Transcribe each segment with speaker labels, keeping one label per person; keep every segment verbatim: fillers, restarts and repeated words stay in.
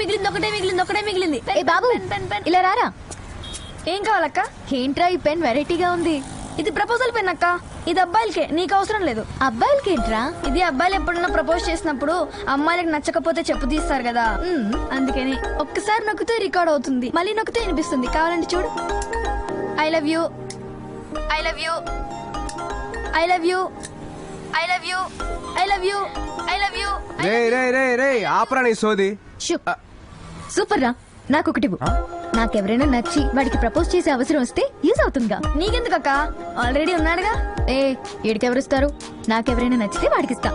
Speaker 1: మిగిలింది ఒకటే మిగిలింది ఒకటే మిగిలింది
Speaker 2: ఏ బాబు ఇలా రారా.
Speaker 1: ఏం కావాలక్క?
Speaker 2: ఏంట్రా ఈ పెన్ వెరైటీగా ఉంది.
Speaker 1: ఇది ప్రపోజల్ పెన్ అక్క. ఇది అబ్బాయిలకే, నీకు అవసరం లేదు.
Speaker 2: అబ్బాయిలకి ఏంట్రా?
Speaker 1: ఇది అబ్బాయిలు ఎప్పుడన్నా ప్రపోజ్ చేసినప్పుడు అమ్మాయిలకు నచ్చకపోతే చెప్పు తీస్తారు కదా, అందుకని ఒక్కసారి నొక్కితే రికార్డ్ అవుతుంది, మళ్ళీ నొక్కితే వినిపిస్తుంది. కావాలంటే చూడు. I love you, I love you, I love you, I love you, I love you, I love you.
Speaker 3: రే రే రే రే ఆపరా నీ సోది.
Speaker 2: సూపర్ రా. నాకొకటి నాకెవరైనా నచ్చి వాడికి ప్రపోజ్ చేసే అవసరం వస్తే యూజ్ అవుతుందిగా.
Speaker 1: నీకెందుకక్క, ఆల్రెడీ ఉన్నాడుగా.
Speaker 2: ఏ ఏడికెవరిస్తారు? నాకెవరైనా నచ్చితే వాడికి ఇస్తా.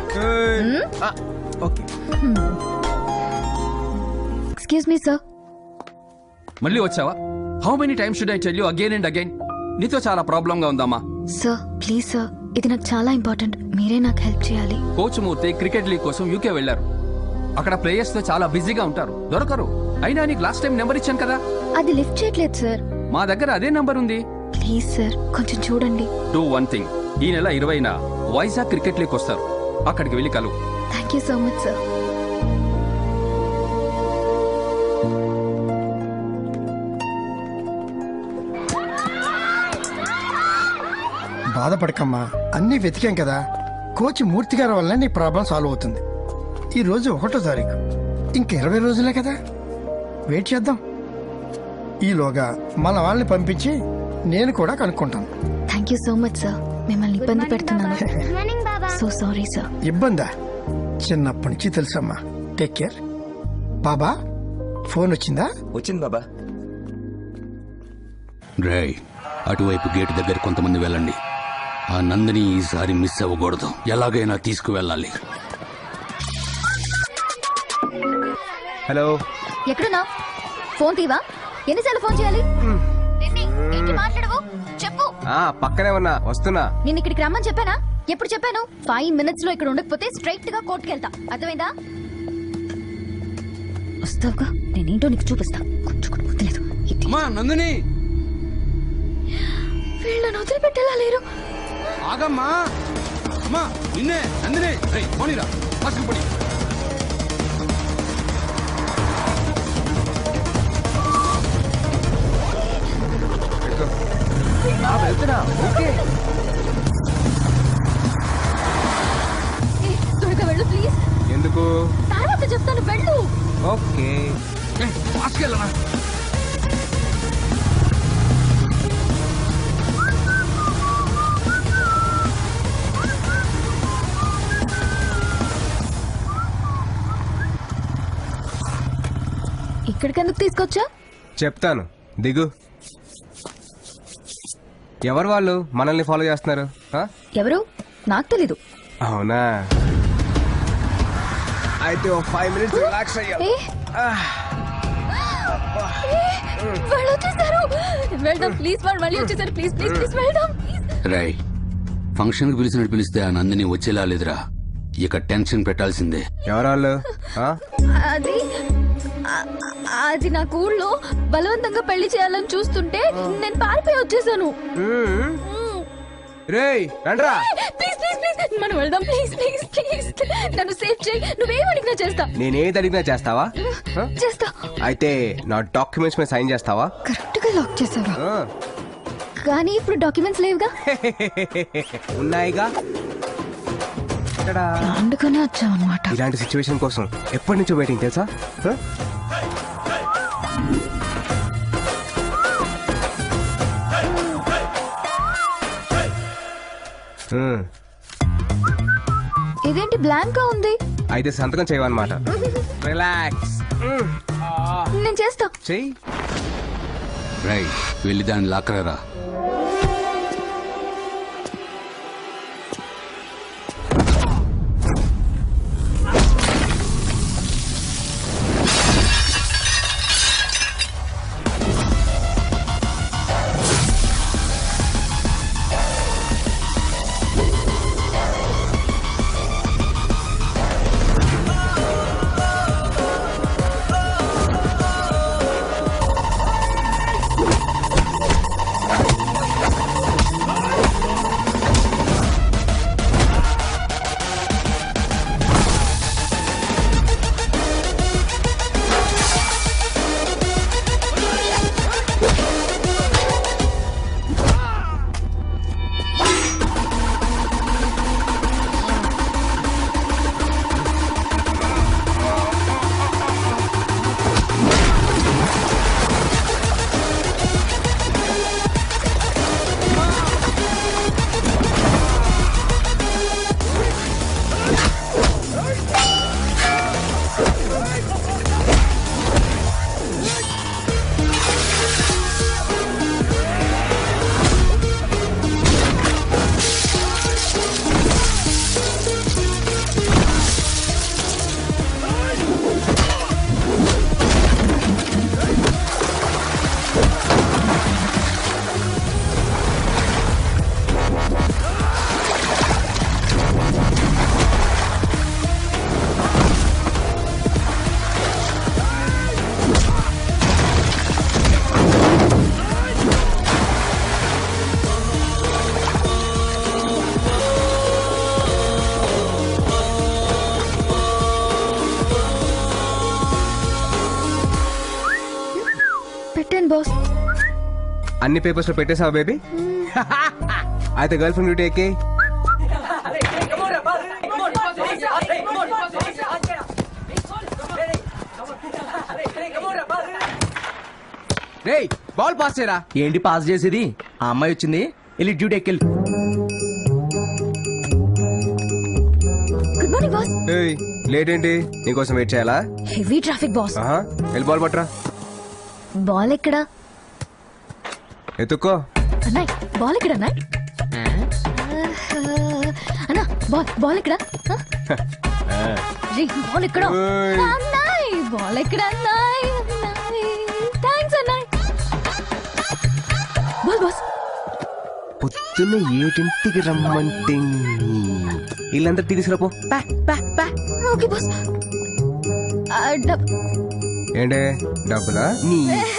Speaker 2: Excuse me sir.
Speaker 4: మళ్ళీ వచ్చావా? How many times should I tell you again and again? నీతో చాలా ప్రాబ్లం గా ఉందమ్మా.
Speaker 2: సార్ ప్లీజ్ సార్, ఇది నాకు చాలా ఇంపార్టెంట్, మీరే నాకు హెల్ప్ చేయాలి.
Speaker 4: కోచ్ మూర్తి క్రికెట్ లీగ్ కోసం యూకే వెళ్లారు. అక్కడ ప్లేయర్స్ తో చాలా బిజీగా ఉంటారు, దొరకరు. అయినా నీకు లాస్ట్ టైం నెంబర్ ఇచ్చాను కదా.
Speaker 2: అది లిఫ్ట్ చేయట్లేదు సార్.
Speaker 4: మా దగ్గర అదే నంబర్ ఉంది.
Speaker 2: ప్లీజ్ సార్ కొంచెం చూడండి.
Speaker 4: డూ వన్ థింగ్, ఈ నెల ఇరవైన వైజాగ్ క్రికెట్ లీగ్ వస్తారు, అక్కడికి వెళ్ళి కలువు.
Speaker 2: Thank you so much sir.
Speaker 5: బాధపడకమ్మా, అన్నీ వెతికాం కదా. కోచ్ మూర్తి గారి వల్ల నీ ప్రాబ్లం సాల్వ్ అవుతుంది. ఈ రోజు ఒకటో తారీఖు, ఇంక ఇరవై రోజులే కదా, వెయిట్ చేద్దాం. ఈలోగా మన వాళ్ళని పంపించి నేను కూడా కనుక్కుంటాను.
Speaker 2: Thank you so much sir. మిమ్మల్ని ఇబ్బంది పెడుతున్నాను. So sorry sir.
Speaker 5: ఇబ్బందా? చిన్నప్పటి నుంచి తెలుసమ్మా. Take care. బాబా ఫోన్ వచ్చిందా?
Speaker 6: వచ్చింది బాబా.
Speaker 7: డ్రై అటువైపు గేటు దగ్గర కొంతమంది వెళ్ళండి. ఆ నందిని ఈసారి మిస్ అవ్వకూడదు, ఎలాగైనా తీసుకువెళ్ళాలి.
Speaker 3: హలో,
Speaker 2: ఎక్కడున్నా? ఫోన్ తీవా? ఎన్నిసార్లు ఫోన్ చేయాలి? ఏంటి మాట్లాడవు? చెప్పు.
Speaker 3: ఆ పక్కనే ఉన్నా, వస్తున్నా.
Speaker 2: నేను ఇక్కడికి రమ్మని చెప్పానా? ఎప్పుడు చెప్పాను? ఫైవ్ మినిట్స్ లో ఇక్కడ ఉండకపోతే స్ట్రైట్ గా కోర్టుకి వెళ్తా, అర్థమైందా? వస్తావుగా, నేనేంటో నీకు చూపిస్తా. కొంచెం కూడా వదిలేదు.
Speaker 4: నందిని,
Speaker 2: వీళ్ళని వదిలిపెట్టేలా లేరు.
Speaker 4: ఆగమ్మా. అమ్మా నిన్నే నందిని. రేయ్ పోనీరా, ఫస్ట్ పోనీ.
Speaker 3: వెళ్తున్నా. ఓకే
Speaker 2: త్వరగా వెళ్ళు ప్లీజ్.
Speaker 3: ఎందుకు?
Speaker 2: తర్వాత చెప్తాను, వెళ్ళు.
Speaker 3: ఓకే
Speaker 4: ఫాస్ట్ వెళ్ళనా?
Speaker 2: ఇక్కడికి ఎందుకు తీసుకొచ్చా?
Speaker 3: చెప్తాను, దిగు. ఎవరు వాళ్ళు మనల్ని ఫాలో చేస్తున్నారు?
Speaker 2: ఎవరు? నాకు తెలీదు.
Speaker 3: అవునా? అయితే ఓ ఫైవ్ మినిట్స్ రిలాక్స్ అయ్యా.
Speaker 2: వాళ్ళు వచ్చేసారు. వెళ్దాం ప్లీజ్. వాళ్ళు మళ్ళీ వచ్చేసారు. ప్లీజ్ ప్లీజ్ ప్లీజ్ వెళ్దాం.
Speaker 7: రై ఫంక్షన్ కి పిలిచినట్టు పిలిస్తే ఆ నందిని వచ్చేలా లేదురా. ఇక టెన్షన్ పెట్టాల్సిందే.
Speaker 3: ఎవరు వాళ్ళు?
Speaker 2: అది అది నా ఊళ్ళో బలవంతంగా పెళ్లి చేయాలని చూస్తుంటే నేను పారిపోయి వచ్చేసాను.
Speaker 3: రేయ్ రండ్రా.
Speaker 2: ప్లీజ్ ప్లీజ్ ప్లీజ్ మనం వెళ్దాం. ప్లీజ్ ప్లీజ్ ప్లీజ్ నన్ను సేవ్ చేయి. నువ్వేం అడిగినా చేస్తా.
Speaker 3: నేనేది అడిగినా చేస్తావా?
Speaker 2: చేస్తా.
Speaker 3: అయితే నా డాక్యుమెంట్స్ మీద సైన్ చేస్తావా?
Speaker 2: కరెక్ట్ గా లాక్ చేసావా? కానీ ఇప్పుడు డాక్యుమెంట్స్ లేవుగా.
Speaker 3: ఉన్నాయిగా.
Speaker 2: అందుకనే వచ్చావన్నమాట.
Speaker 3: ఇలాంటి సిచ్యువేషన్ కోసం ఎప్పటి నుంచో వెయిటింగ్ తెలుసా?
Speaker 2: ఇదేంటి బ్లాంక్ గా ఉంది?
Speaker 3: అయితే సంతకం చేయవన్నమాట. రిలాక్స్.
Speaker 2: నేను చేస్తా.
Speaker 3: చెయ్యి.
Speaker 7: రై వెళ్ళి దాన్ని లాక్కరా.
Speaker 2: పెట్టాను బాస్.
Speaker 3: అన్ని పేపర్స్ లో పెట్టేసావా బేబీ? అయితే గర్ల్ ఫ్రెండ్ డ్యూటీ ఎక్కి. రేయ్ బాల్ పాస్ చేయరా.
Speaker 6: ఏంటి పాస్ చేసేది? ఆ అమ్మాయి వచ్చింది, వెళ్ళి డ్యూటీ ఎక్కెళ్ళి.
Speaker 2: Good morning boss.
Speaker 3: ఏయ్ లేట్ ఏంటి? నీకోసం వెయిట్ చేయాలా?
Speaker 2: Heavy traffic boss.
Speaker 3: ఆహా, వెళ్ళి బాల్ పట్టరా.
Speaker 2: బాల్ ఎక్కడా
Speaker 3: ఎత్తుక్కో.
Speaker 2: అన్నాయ్? బాల్ ఎక్కడ అన్నాయ్? అన్నా బాల్ బాల్ ఎక్కడ? బాల్ ఎక్కడ
Speaker 3: ఓయ్.
Speaker 2: అన్నాయ్? బాల్ ఎక్కడ అన్నాయ్? థ్యాంక్స్ అన్నాయ్. Ball boss.
Speaker 3: పొద్దున్న ఏడింటికి రమ్మంటే వీళ్ళంతా తీసుకురాపో.
Speaker 2: Okay boss. ఆ, డబ్-
Speaker 3: ఏంటే డబ్బులా? నీ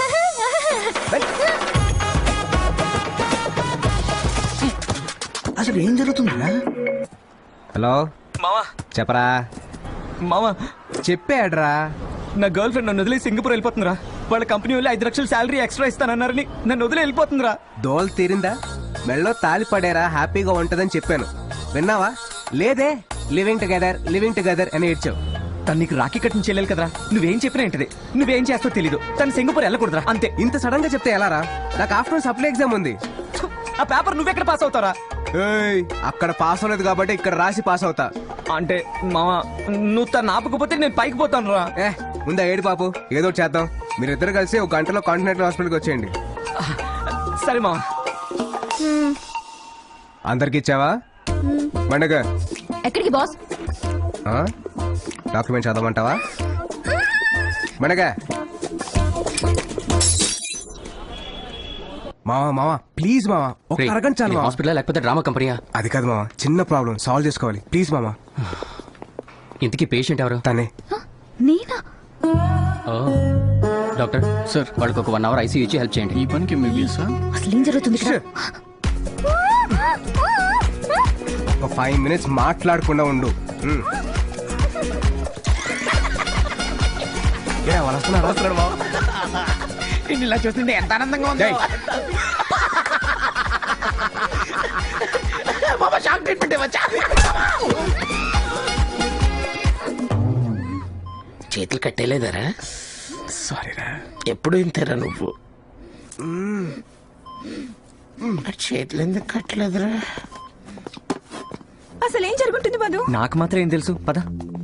Speaker 6: అసలు ఏం జరుగుతుందా?
Speaker 3: హలో
Speaker 6: మావా
Speaker 3: చెప్పరా.
Speaker 6: మావా,
Speaker 3: చెప్పాడ్రా.
Speaker 6: నా గర్ల్ ఫ్రెండ్ నన్ను వదిలి సింగపూర్ వెళ్ళిపోతుందిరా. వాళ్ళ కంపెనీ వాళ్ళు ఐదు లక్షలు శాలరీ ఎక్స్ట్రా ఇస్తానన్నారని నన్ను వదిలి వెళ్ళిపోతుందిరా.
Speaker 3: దోల్ తీరిందా? మెళ్ళో తాలి పడేరా, హ్యాపీగా ఉంటదని చెప్పాను. విన్నావా? లేదే. లివింగ్ టుగెదర్ లివింగ్ టుగెదర్ అని ఏడ్చావు.
Speaker 6: తను నీకు రాఖీ కట్టిన చెల్లెలు కదరా. నువ్వేం చెప్పినా ఏంటిది, నువ్వేం చేస్తావు తెలీదు. తను సింగపూర్ వెళ్ళకూడదురా, అంతే.
Speaker 3: ఇంత సడన్ గా చెప్తే ఎలారా? నాకు ఆఫ్టర్నూన్ సప్లై ఎగ్జామ్ ఉంది.
Speaker 6: ఆ పేపర్ నువ్వెక్కడ పాస్ అవుతారా?
Speaker 3: ఏయ్, అక్కడ పాస్ అవ్వలేదు కాబట్టి ఇక్కడ రాసి పాస్ అవుతా.
Speaker 6: అంటే మావా, నువ్వు తను ఆపకపోతే నేను పైకి పోతాను రా.
Speaker 3: ఏ ముందా ఏడు పాపు, ఏదో ఒకటి చేద్దాం. మీరిద్దరు కలిసి ఒక గంటలో కాంటినెంటల్ హాస్పిటల్కి వచ్చేయండి.
Speaker 6: సరే మావా.
Speaker 3: అందరికి ఇచ్చావా? పండగ
Speaker 2: ఎక్కడికి బాస్?
Speaker 3: డాక్యుమెంట్ చదవమంటావా? పండగ మావా మావా ప్లీజ్ మావా, ఒక అరగంట చాలు.
Speaker 8: హాస్పిటల్ లేకపోతే డ్రామా కంపెనీయా?
Speaker 3: అది కాదు మావా, చిన్న ప్రాబ్లం సాల్వ్ చేసుకోవాలి. ప్లీజ్ మావా.
Speaker 8: ఇంతకీ పేషెంట్ ఎవరు?
Speaker 3: తనే.
Speaker 2: నేనా?
Speaker 8: ఓ, డాక్టర్ సార్, వాళ్ళకి ఒక వన్ అవర్ ఐసీయూ ఇచ్చి హెల్ప్ చేయండి. ఈ పనికి
Speaker 2: అసలు ఏం జరుగుతుంది ఇక్కడ?
Speaker 3: ఒక ఫైవ్ మినిట్స్ మాట్లాడకుండా ఉండు. ఉమ్. ఏ, వాళ్ళు వస్తున్నారా?
Speaker 6: ఇలా చూస్తుంటే ఎంత ఆనందంగా ఉంది.
Speaker 3: ఏయ్,
Speaker 8: చేతులు కట్టేలేదరా?
Speaker 3: సారీరా.
Speaker 8: ఎప్పుడు ఇంతేరా నువ్వు? చేతులు ఎందుకు కట్టలేదురా?
Speaker 9: అసలు ఏం జరుగుతుంది మధు?
Speaker 6: నాకు మాత్రం ఏం తెలుసు, పద.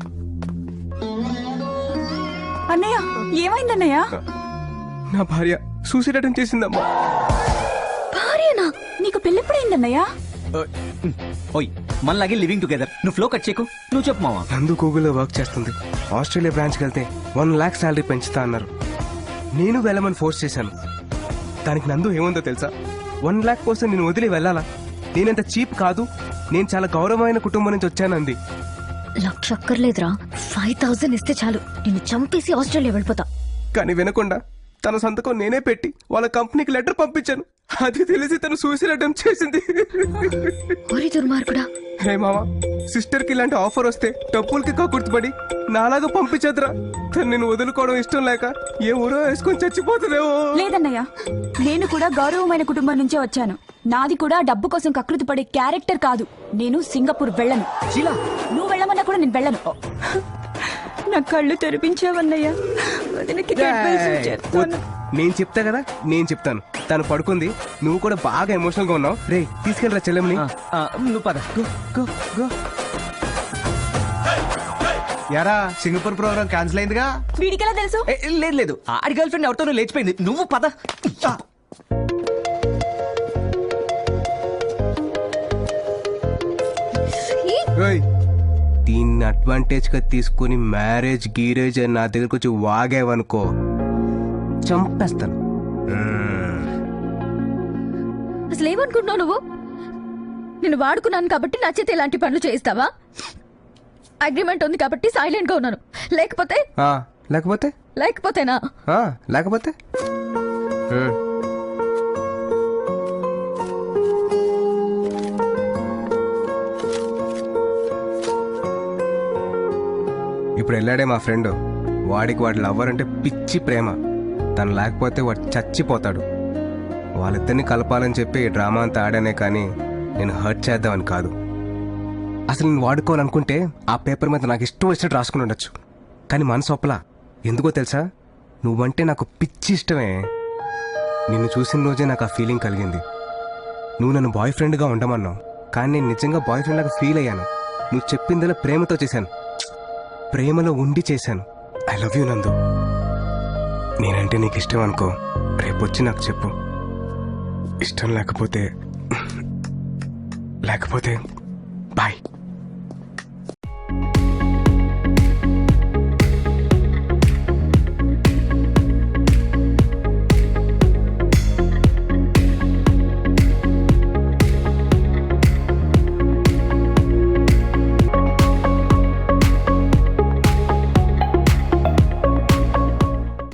Speaker 9: అన్నయ్య ఏమైంది అన్నయ్య?
Speaker 3: నా భార్య సూసైడ్ అటెంప్ట్ చేసిందమ్మా.
Speaker 9: భార్యనా? నీకు పెళ్ళెప్పుడైంది అన్నయ్య?
Speaker 6: ఓయ్, మనలాగే లివింగ్ టుగెదర్. నువ్వు ఫ్లో కట్ చేయకు, నువ్వు చెప్పు మావా.
Speaker 3: నందు గూగుల్లో వర్క్ చేస్తుంది. ఆస్ట్రేలియా బ్రాంచ్కి వెళ్తే వన్ లాక్ శాలరీ పెంచుతా అన్నారు. నేను వెళ్ళమని ఫోర్స్ చేశాను. దానికి నందు ఏముందో తెలుసా? వన్ లాక్ కోసం నేను వదిలి వెళ్ళాలా? నేనంత చీప్ కాదు, నేను చాలా గౌరవమైన కుటుంబం నుంచి వచ్చానంది.
Speaker 2: లక్ష అక్కర్లేదురా, ఫైవ్ థౌసండ్ ఇస్తే చాలు, నిన్ను చంపేసి ఆస్ట్రేలియా వెళ్ళిపోతా.
Speaker 3: కానీ వినకుండా తన సంతకం నేనే పెట్టి వాళ్ళ కంపెనీకి లెటర్ పంపించాను. అది తెలిసి తను సూసైడ్ అటెంప్ట్ చేసింది.
Speaker 2: ఓరి దుర్మార్గుడా.
Speaker 3: హే మామా, సిస్టర్ కి ఇలాంటి ఆఫర్ వస్తే డబ్బులకి కక్కుర్తిపడి నాలాగా పంపించదురా. తను నేను వదులుకోవడం ఇష్టం లేక ఏ ఊరో వేసుకొని చచ్చిపోతుందేమో.
Speaker 9: లేదన్నయ్య, నేను కూడా గౌరవమైన కుటుంబం నుంచే వచ్చాను. నాది కూడా డబ్బు కోసం కకృతి పడే క్యారెక్టర్ కాదు. నేను సింగపూర్ వెళ్ళను.
Speaker 6: శీలా,
Speaker 9: నువ్వు వెళ్ళమన్నా కూడా నేను వెళ్ళను. నా కళ్ళు తెరిపించావన్నయ్య. వదినకి advice చేస్తాను.
Speaker 3: నేను చెప్తా కదా, నేను చెప్తాను. తను పడుకుంది, నువ్వు కూడా బాగా ఎమోషనల్ గా ఉన్నావు. రే తీసుకెళ్ళరా చెల్లెమ్మని.
Speaker 6: ఆ, నువ్వు పద.
Speaker 3: Go go go. యారా, సింగపూర్ ప్రోగ్రామ్ క్యాన్సిల్ అయిందిగా?
Speaker 9: వీడికెలా తెలుసు?
Speaker 6: ఏ, లేదు లేదు, ఆడి గర్ల్ ఫ్రెండ్ ఎవరితోనూ లేచిపోయింది. నువ్వు పద.
Speaker 3: ఓయ్, దీన్ని అడ్వాంటేజ్ గా తీసుకుని మ్యారేజ్ గీరేజ్ అని నా దగ్గరకు వచ్చి వాగేవనుకో చంపేస్తాను.
Speaker 2: అసలు ఏమనుకుంటున్నావు నువ్వు? నేను వాడుకున్నాను కాబట్టి నా చేత ఇలాంటి పనులు చేయిస్తావా? అగ్రిమెంట్ ఉంది కాబట్టి సైలెంట్ గా ఉన్నాను. లేకపోతే
Speaker 3: ఆ, లేకపోతే
Speaker 2: లేకపోతేనా?
Speaker 3: ఆ, లేకపోతే ఉమ్. ఇప్పుడు వెళ్ళాడే మా ఫ్రెండ్, వాడికి వాడి లవ్వర్ అంటే పిచ్చి ప్రేమ. తను లేకపోతే వాడు చచ్చిపోతాడు. వాళ్ళిద్దరిని కలపాలని చెప్పి ఈ డ్రామా అంతా ఆడానే కానీ నేను హర్ట్ చేద్దామని కాదు. అసలు నేను వాడుకోవాలనుకుంటే ఆ పేపర్ మీద నాకు ఇష్టం వచ్చినట్టు రాసుకుని ఉండొచ్చు. కానీ మనసు ఒప్పలా. ఎందుకో తెలుసా? నువ్వంటే నాకు పిచ్చి ఇష్టమే. నిన్ను చూసిన రోజే నాకు ఆ ఫీలింగ్ కలిగింది. నువ్వు నన్ను బాయ్ ఫ్రెండ్గా ఉండమన్నావు, కానీ నేను నిజంగా బాయ్ ఫ్రెండ్ లాగా ఫీల్ అయ్యాను. నువ్వు చెప్పిందలా ప్రేమతో చేశాను, ప్రేమలో ఉండి చేశాను. ఐ లవ్ యూ నందు. నేనంటే నీకు ఇష్టం అనుకో, రేపొచ్చి నాకు చెప్పు. ఇష్టం లేకపోతే లేకపోతే బాయ్.